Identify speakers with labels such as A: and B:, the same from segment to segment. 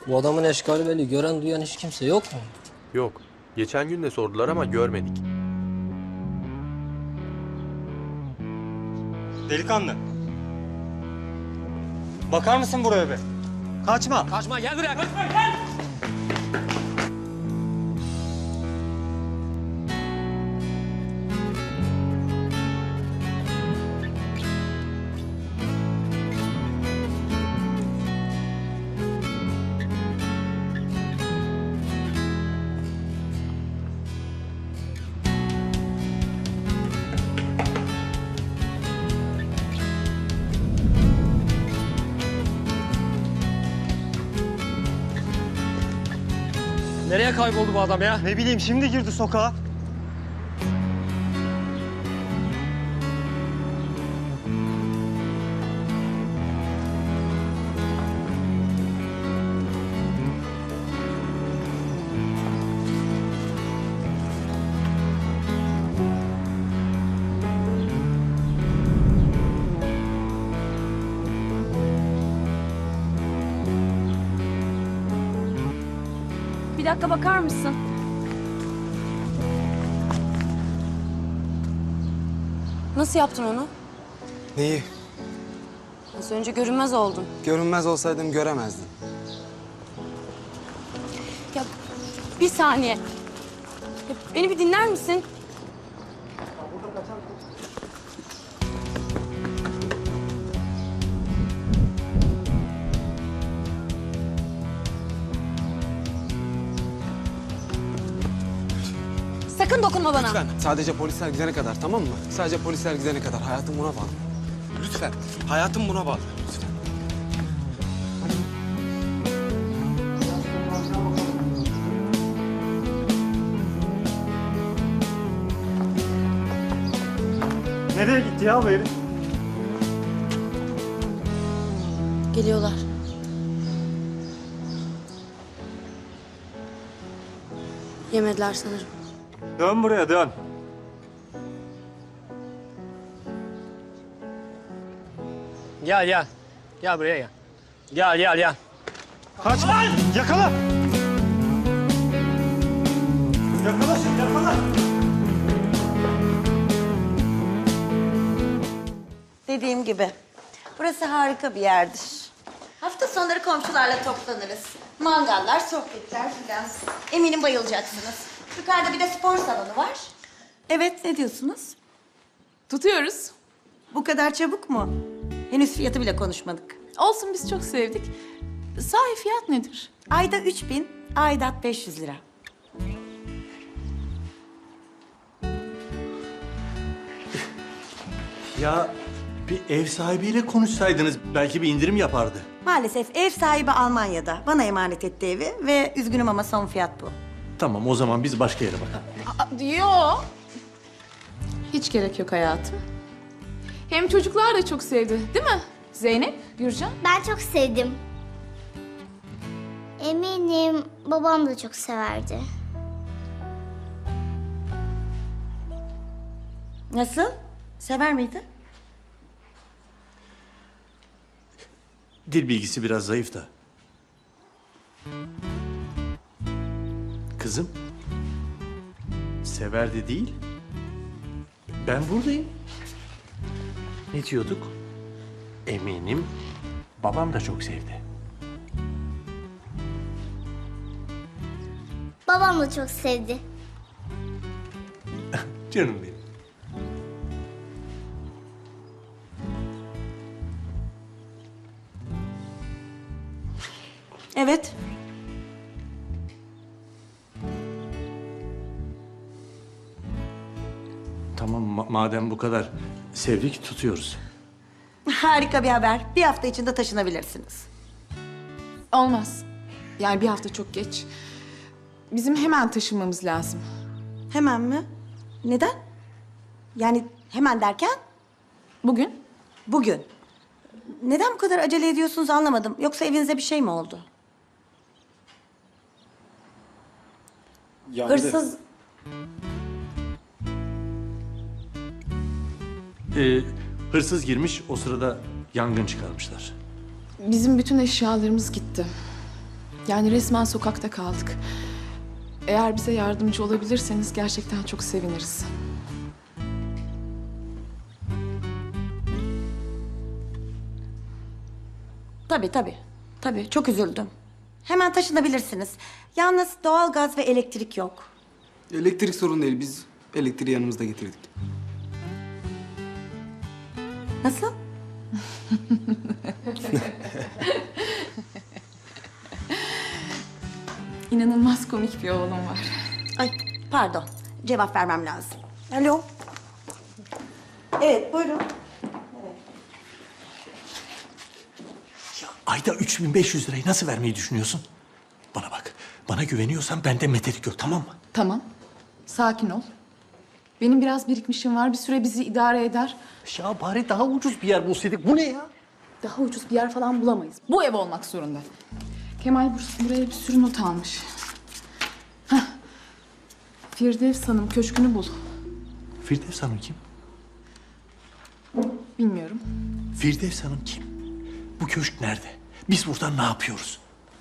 A: Bu adamın eşkali belli. Gören duyan hiç kimse yok mu?
B: Yok. Geçen gün de sordular ama görmedik.
C: Delikanlı. Bakar mısın buraya be? Kaçma.
A: Kaçma gel buraya. Nereye kayboldu bu adam ya?
C: Ne bileyim şimdi girdi sokağa.
D: Bir dakika bakar mısın? Nasıl yaptın onu?
E: Neyi?
D: Az önce görünmez oldun.
E: Görünmez olsaydım göremezdin.
D: Ya bir saniye. Ya, beni bir dinler misin? Sakın dokunma bana.
E: Lütfen. Sadece polisler gidene kadar, tamam mı? Sadece polisler gidene kadar. Hayatım buna bağlı. Lütfen. Hayatım buna bağlı. Lütfen.
C: Nereye gitti ya bu herif?
D: Geliyorlar. Yemediler sanırım.
C: Dön buraya dön.
A: Gel gel. Gel buraya gel. Gel gel gel.
C: Kaçma. Yakala. Yakala şimdi yakala.
F: Dediğim gibi, burası harika bir yerdir. Hafta sonları komşularla toplanırız. Mangallar, sohbetler filan. Eminim bayılacaksınız. Yukarıda bir de spor salonu var. Evet, ne diyorsunuz?
G: Tutuyoruz.
F: Bu kadar çabuk mu? Henüz fiyatı bile konuşmadık.
G: Olsun biz çok sevdik. Sahi fiyat nedir?
F: Ayda 3000, aidat 500 lira.
H: Ya bir ev sahibiyle konuşsaydınız belki bir indirim yapardı.
F: Maalesef ev sahibi Almanya'da. Bana emanet etti evi ve üzgünüm ama son fiyat bu.
H: Tamam o zaman biz başka yere bakalım.
G: Yok. Hiç gerek yok hayatım. Hem çocuklar da çok sevdi, değil mi? Zeynep, Gürcan.
I: Ben çok sevdim. Eminim babam da çok severdi.
F: Nasıl? Sever miydi?
H: Dil bilgisi biraz zayıf da. Kızım. Severdi değil. Ben buradayım. Ne diyorduk? Eminim babam da çok sevdi.
I: Babam da çok sevdi.
H: Canım benim.
F: Evet.
H: Tamam madem bu kadar sevdik tutuyoruz.
F: Harika bir haber. Bir hafta içinde taşınabilirsiniz.
G: Olmaz. Yani bir hafta çok geç. Bizim hemen taşınmamız lazım.
F: Hemen mi? Neden? Yani hemen derken
G: Bugün?
F: bugün. Neden bu kadar acele ediyorsunuz anlamadım. Yoksa evinize bir şey mi oldu? Hırsız...
H: Hırsız girmiş o sırada yangın çıkarmışlar.
G: Bizim bütün eşyalarımız gitti. Yani resmen sokakta kaldık. Eğer bize yardımcı olabilirseniz gerçekten çok seviniriz.
F: Tabii tabii. Tabii çok üzüldüm. Hemen taşınabilirsiniz. Yalnız doğalgaz ve elektrik yok.
E: Elektrik sorun değil. Biz elektriği yanımızda getirdik.
F: Nasıl?
G: İnanılmaz komik bir oğlum var.
F: Ay pardon. Cevap vermem lazım. Alo. Evet buyurun.
H: Ya ayda 3500 lirayı nasıl vermeyi düşünüyorsun? Bana bak. Bana güveniyorsan bende metelik yok, tamam mı?
G: Tamam. Sakin ol. Benim biraz birikmişim var. Bir süre bizi idare eder.
H: Ya bari daha ucuz bir yer bulsaydık. Bu ne ya?
G: Daha ucuz bir yer falan bulamayız. Bu ev olmak zorunda. Kemal buraya bir sürü not almış. Hah. Firdevs Hanım köşkünü bul.
H: Firdevs Hanım kim?
G: Bilmiyorum.
H: Firdevs Hanım kim? Bu köşk nerede? Biz burada ne yapıyoruz?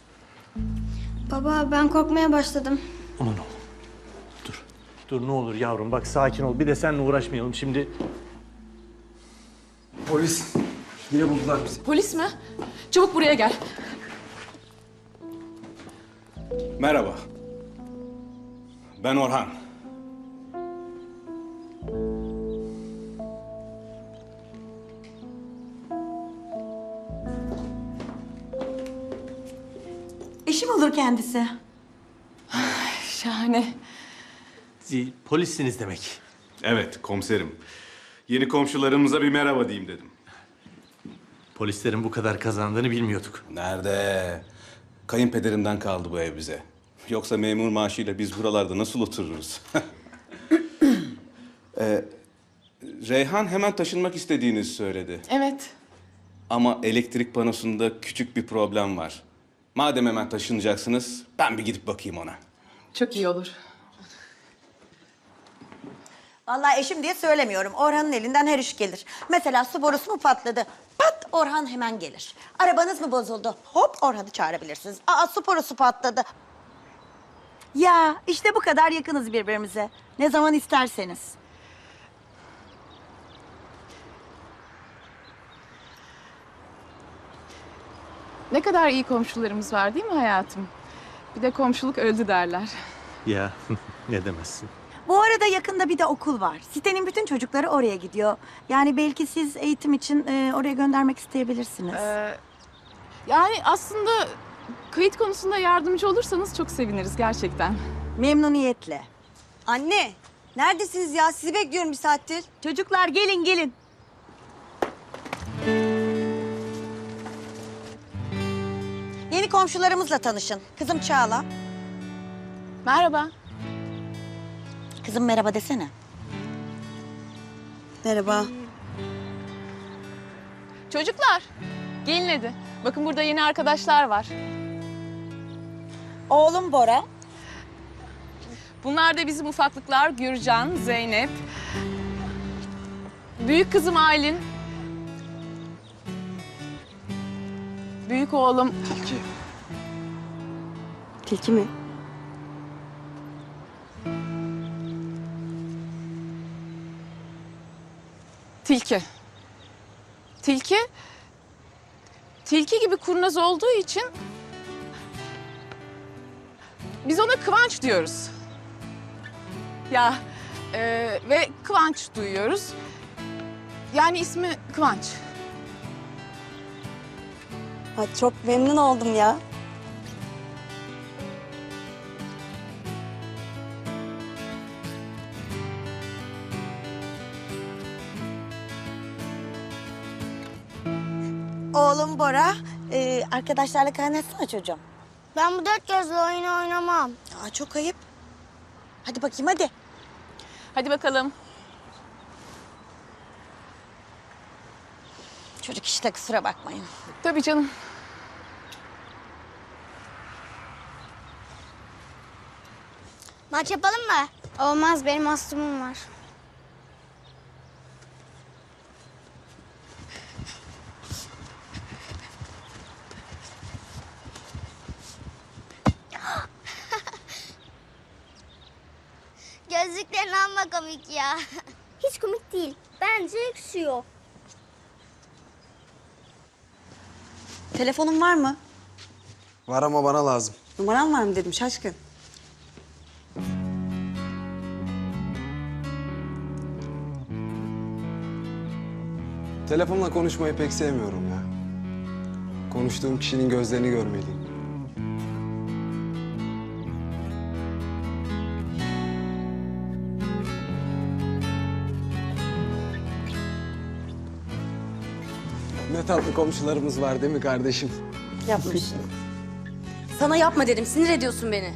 I: Baba ben korkmaya başladım.
H: Aman oğlum. Dur. Dur ne olur yavrum bak sakin ol. Bir de seninle uğraşmayalım şimdi.
E: Polis. Yine buldular bizi.
G: Polis mi? Çabuk buraya gel.
J: Merhaba. Ben Orhan.
F: Eşim olur kendisi.
G: Şahane.
H: Polissiniz demek.
J: Evet, komiserim. Yeni komşularımıza bir merhaba diyeyim dedim.
H: Polislerin bu kadar kazandığını bilmiyorduk.
J: Nerede? Kayınpederimden kaldı bu ev bize. Yoksa memur maaşıyla biz buralarda nasıl otururuz? Reyhan hemen taşınmak istediğini söyledi.
G: Evet.
J: Ama elektrik panosunda küçük bir problem var. Madem hemen taşınacaksınız, ben bir gidip bakayım ona.
G: Çok iyi olur.
F: Vallahi eşim diye söylemiyorum. Orhan'ın elinden her iş gelir. Mesela su borusu mu patladı? Pat Orhan hemen gelir. Arabanız mı bozuldu? Hop Orhan'ı çağırabilirsiniz. Aa su borusu patladı. Ya işte bu kadar yakınız birbirimize. Ne zaman isterseniz.
G: Ne kadar iyi komşularımız var değil mi hayatım? Bir de komşuluk öldü derler.
H: Ya ne demezsin.
F: Bu arada yakında bir de okul var. Sitenin bütün çocukları oraya gidiyor. Yani belki siz eğitim için oraya göndermek isteyebilirsiniz.
G: Yani aslında kayıt konusunda yardımcı olursanız çok seviniriz gerçekten.
F: Memnuniyetle.
K: Anne, neredesiniz ya? Sizi bekliyorum bir saattir.
F: Çocuklar gelin gelin. Yeni komşularımızla tanışın. Kızım Çağla.
G: Merhaba.
F: Kızım merhaba desene.
K: Merhaba.
G: Çocuklar, gelin hadi. Bakın burada yeni arkadaşlar var.
F: Oğlum Bora.
G: Bunlar da bizim ufaklıklar Gürcan, Zeynep. Büyük kızım Aylin. Büyük oğlum
E: Tilki.
K: Tilki mi?
G: Tilki. Tilki. Tilki gibi kurnaz olduğu için biz ona Kıvanç diyoruz. Ya ve Kıvanç duyuyoruz. Yani ismi Kıvanç.
K: Ha, çok memnun oldum ya.
F: Oğlum Bora. Arkadaşlarla kaynaşsana çocuğum.
I: Ben bu dört gözlü oyunu oynamam.
F: Aa, çok ayıp. Hadi bakayım hadi.
G: Hadi bakalım.
F: Çocuk işte kusura bakmayın.
G: Tabii canım.
I: Maç yapalım mı? Olmaz benim astımım var. komik ya. Hiç komik değil. Bence yakışıyor.
K: Telefonun var mı?
E: Var ama bana lazım.
K: Numaran var mı dedim şaşkın.
E: Telefonla konuşmayı pek sevmiyorum ya. Konuştuğum kişinin gözlerini görmeliyim. Ne tatlı komşularımız var değil mi kardeşim?
K: Yapmış.
D: Sana yapma dedim. Sinir ediyorsun beni.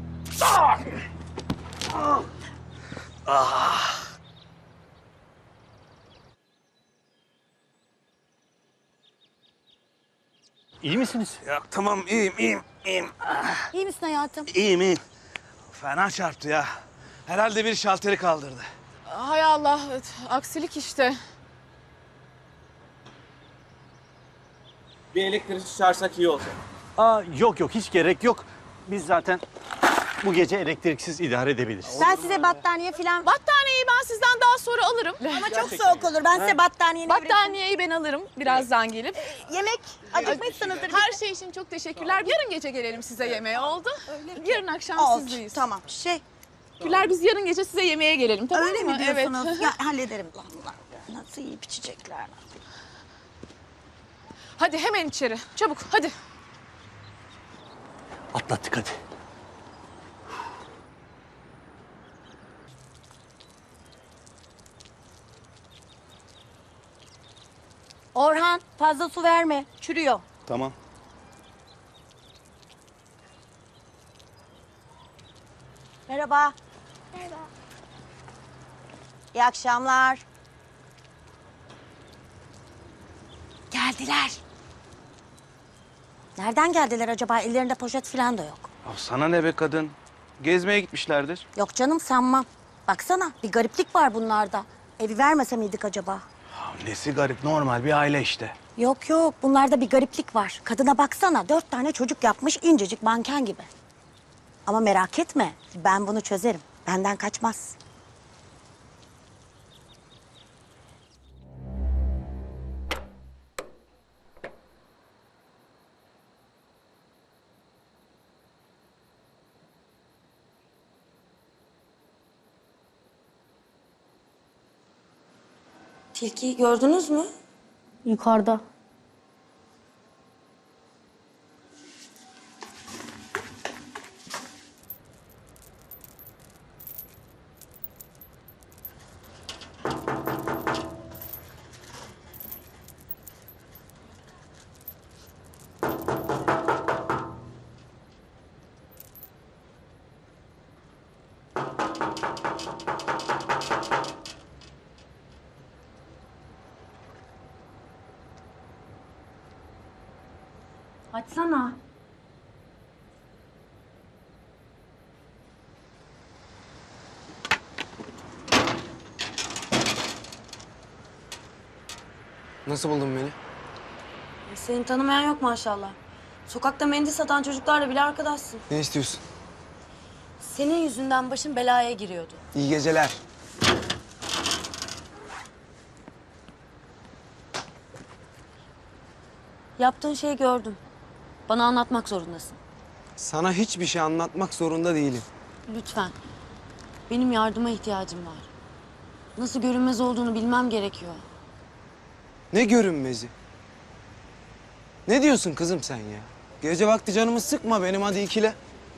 H: İyi misiniz?
L: Ya tamam iyiyim.
K: İyi misin hayatım?
L: İyiyim. Fena çarptı ya. Herhalde bir şalteri kaldırdı.
G: Hay Allah, aksilik işte.
J: Bir elektrikçi çağırsak iyi olacak.
H: Yok hiç gerek yok. Biz zaten bu gece elektriksiz idare edebiliriz.
K: Ben size battaniye falan...
G: Battaniyeyi ben sizden daha sonra alırım.
K: Ama çok soğuk olur. Ben size battaniye...
G: Battaniyeyi ben alırım birazdan gelip.
K: Yemek acıkmışsınızdır.
G: Her şey için çok teşekkürler. Yarın gece gelelim size yemeğe, oldu? Yarın akşam
K: Oldu.
G: sizdeyiz.
K: Tamam.
G: Teşekkürler, biz yarın gece size yemeğe gelelim, tamam
K: Öyle
G: mı?
K: mi diyorsunuz?
G: Evet.
K: Ya hallederim. Allah nasıl yiyip içecekler.
G: Hadi hemen içeri, çabuk hadi.
H: Atlattık hadi.
F: Orhan fazla su verme. Çürüyor.
J: Tamam.
K: Merhaba.
I: Merhaba.
K: İyi akşamlar. Geldiler. Nereden geldiler acaba? Ellerinde poşet falan da yok.
J: Ya sana ne be kadın? Gezmeye gitmişlerdir.
K: Yok canım sanmam. Baksana bir gariplik var bunlarda. Evi vermese miydik acaba?
L: Ya nesi garip, normal bir aile işte.
K: Yok bunlarda bir gariplik var. Kadına baksana 4 tane çocuk yapmış incecik manken gibi. Ama merak etme ben bunu çözerim. Benden kaçmaz.
D: Tilkiyi gördünüz mü?
F: Yukarıda. Açsana.
E: Nasıl buldun beni?
D: Seni tanımayan yok maşallah. Sokakta mendil satan çocuklarla bile arkadaşsın.
E: Ne istiyorsun?
D: Senin yüzünden başım belaya giriyordu.
E: İyi geceler.
D: Yaptığın şeyi gördüm. Bana anlatmak zorundasın.
E: Sana hiçbir şey anlatmak zorunda değilim.
D: Lütfen. Benim yardıma ihtiyacım var. Nasıl görünmez olduğunu bilmem gerekiyor.
E: Ne görünmezi? Ne diyorsun kızım sen ya? Gece vakti canımı sıkma benim, hadi ikile.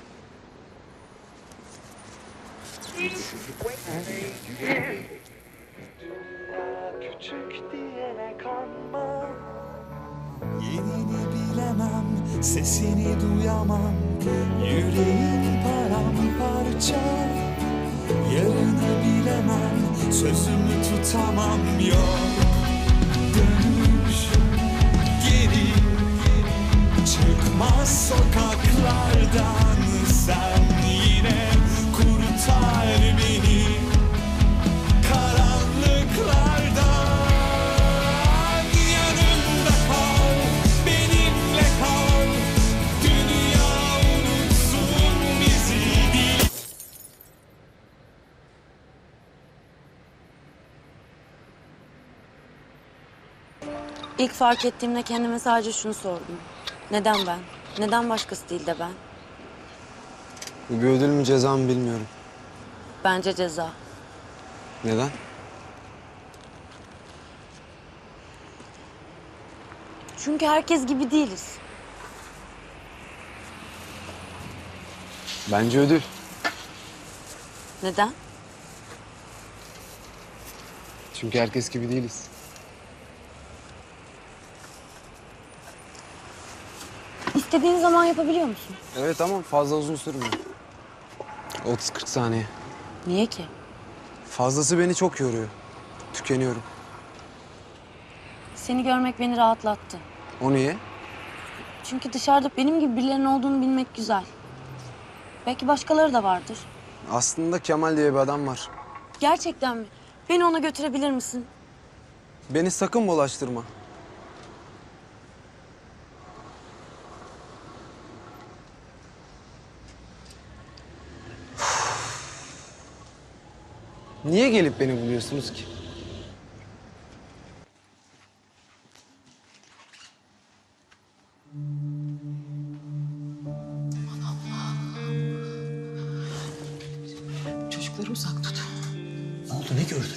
M: Yerini bilemem, sesini duyamam. Yüreğim paramparça. Yarını bilemem, sözümü tutamam. Yok dönüş geri, çıkmaz sokaklardan. Sen yine kurtar beni karanlıklardan. Yanımda kal, benimle kal. Dünya unutsun bizi değil.
D: İlk fark ettiğimde kendime sadece şunu sordum. Neden ben? Neden başkası değil de ben?
E: Bu bir ödül mü ceza mı bilmiyorum.
D: Bence ceza.
E: Neden?
D: Çünkü herkes gibi değiliz.
E: Bence ödül.
D: Neden?
E: Çünkü herkes gibi değiliz.
D: İstediğin zaman yapabiliyor musun?
E: Evet ama fazla uzun sürmüyor. 30-40 saniye.
D: Niye ki?
E: Fazlası beni çok yoruyor. Tükeniyorum.
D: Seni görmek beni rahatlattı.
E: O niye?
D: Çünkü dışarıda benim gibi birilerinin olduğunu bilmek güzel. Belki başkaları da vardır.
E: Aslında Kemal diye bir adam var.
D: Gerçekten mi? Beni ona götürebilir misin?
E: Beni sakın bulaştırma. Niye gelip beni buluyorsunuz ki?
G: Çocukları uzak tut.
H: Ne oldu, ne gördün?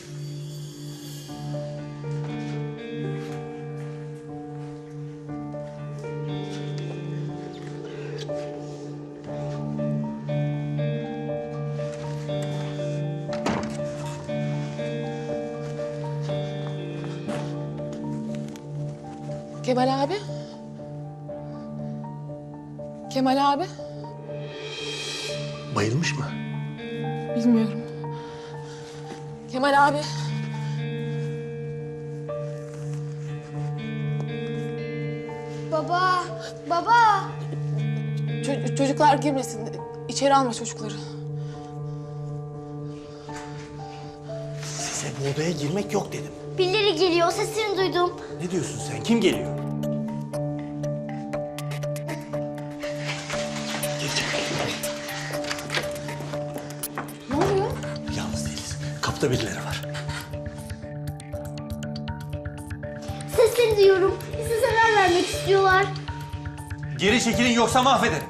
G: Kemal abi. Kemal abi.
H: Bayılmış mı?
G: Bilmiyorum. Kemal abi.
I: Baba, baba.
G: Çocuklar girmesin. İçeri alma çocukları.
H: Size bu odaya girmek yok dedim.
I: Birileri geliyor, sesini duydum.
H: Ne diyorsun sen? Kim geliyor?
G: Ne oluyor?
H: Yalnız değiliz. Kapıda birileri var.
I: Sesleri duyuyorum. Bize zarar vermek istiyorlar.
H: Geri çekilin yoksa mahvederim.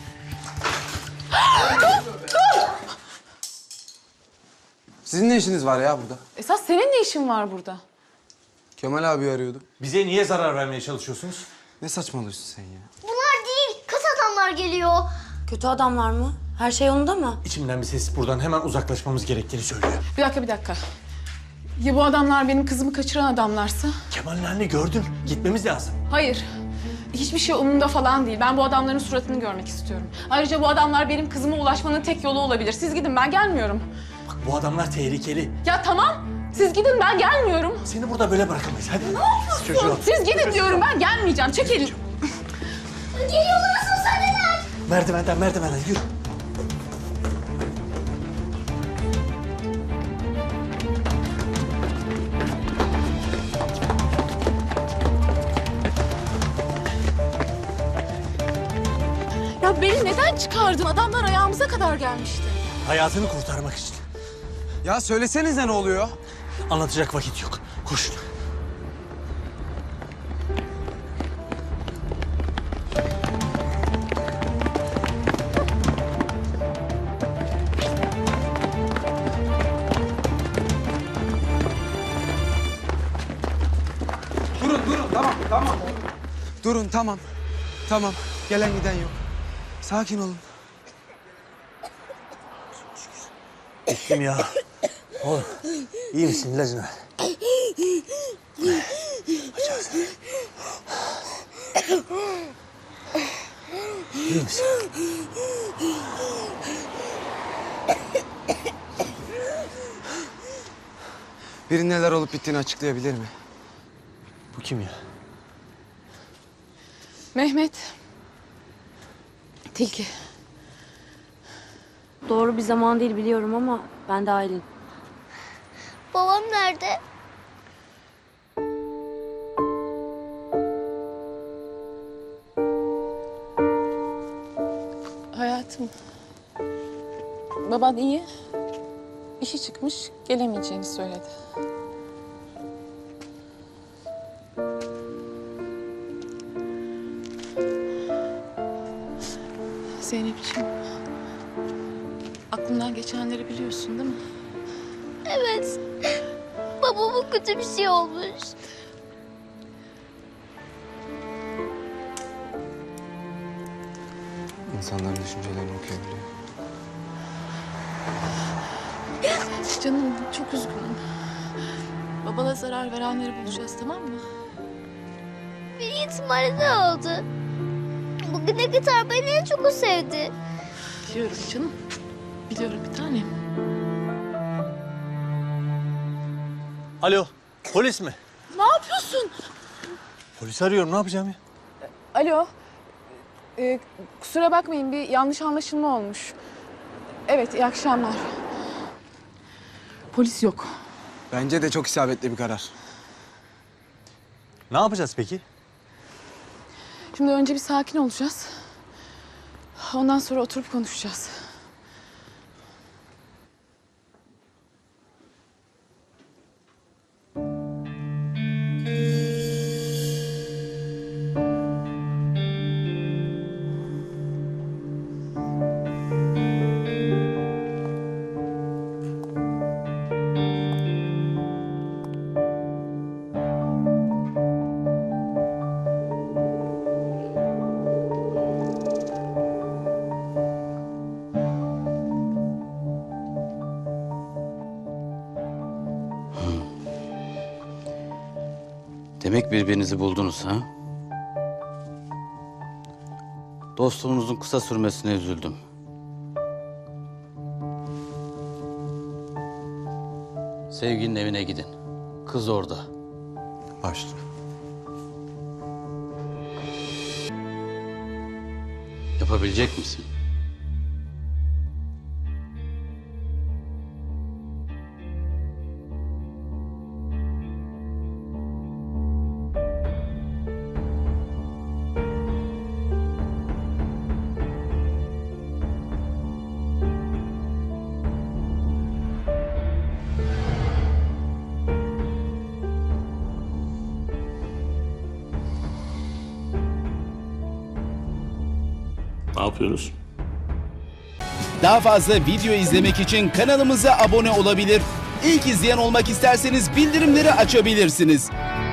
E: Sizin ne işiniz var ya burada?
G: Esas senin ne işin var burada?
E: Kemal abi arıyordu.
H: Bize niye zarar vermeye çalışıyorsunuz?
E: Ne saçmalıyorsun sen ya?
I: Bunlar değil, kötü adamlar geliyor.
D: Kötü adamlar mı? Her şey yolunda mı?
H: İçimden bir ses buradan hemen uzaklaşmamız gerektiğini söylüyor.
G: Bir dakika. Ya bu adamlar benim kızımı kaçıran adamlarsa?
H: Kemal'in halini gördün. Gitmemiz lazım.
G: Hayır. Hiçbir şey umurumda falan değil. Ben bu adamların suratını görmek istiyorum. Ayrıca bu adamlar benim kızıma ulaşmanın tek yolu olabilir. Siz gidin, ben gelmiyorum.
H: Bak bu adamlar tehlikeli.
G: Ya tamam. Siz gidin, ben gelmiyorum.
H: Seni burada böyle bırakamayız. Hadi.
G: Ne yapıyorsun?
H: Çocuğum.
G: Siz gidin diyorum, ben gelmeyeceğim. Çek elini.
I: Geliyorlar, susadeler.
H: Merdivenden yürü.
G: Ya beni neden çıkardın? Adamlar ayağımıza kadar gelmişti.
H: Hayatını kurtarmak için.
E: Ya söylesenize ne oluyor?
H: Anlatacak vakit yok. Koş.
E: Durun, tamam. Durun, tamam. Gelen giden yok. Sakin olun.
H: Gittim ya. Oğlum iyi misin? İlacını ver. Aç ağzını. İyi misin?
E: Biri neler olup bittiğini açıklayabilir mi?
H: Bu kim ya?
G: Mehmet. Tilki.
D: Doğru bir zaman değil biliyorum ama ben de Aylin.
I: Babam nerede?
G: Hayatım. Baban iyi. İşi çıkmış, gelemeyeceğini söyledi. Zeynep'ciğim. Aklından geçenleri biliyorsun değil mi?
I: Evet. Babama kötü bir şey olmuş.
E: İnsanların düşüncelerini okuyabiliyor.
G: Canım çok üzgünüm. Babana zarar verenleri bulacağız, tamam mı?
I: Bir ihtimalle ne oldu? Bugüne kadar beni en çok o sevdi.
G: Biliyorum canım. Biliyorum bir tanem.
H: Alo, polis mi?
G: Ne yapıyorsun?
H: Polis arıyorum, ne yapacağım ya?
G: Alo. Kusura bakmayın, bir yanlış anlaşılma olmuş. Evet, iyi akşamlar. Polis yok.
E: Bence de çok isabetli bir karar.
H: Ne yapacağız peki?
G: Şimdi önce bir sakin olacağız. Ondan sonra oturup konuşacağız.
N: Demek birbirinizi buldunuz ha? Dostluğunuzun kısa sürmesine üzüldüm. Sevginin evine gidin. Kız orada.
B: Başla.
N: Yapabilecek misin?
H: Ne yapıyoruz?
O: Daha fazla video izlemek için kanalımıza abone olabilir. İlk izleyen olmak isterseniz bildirimleri açabilirsiniz.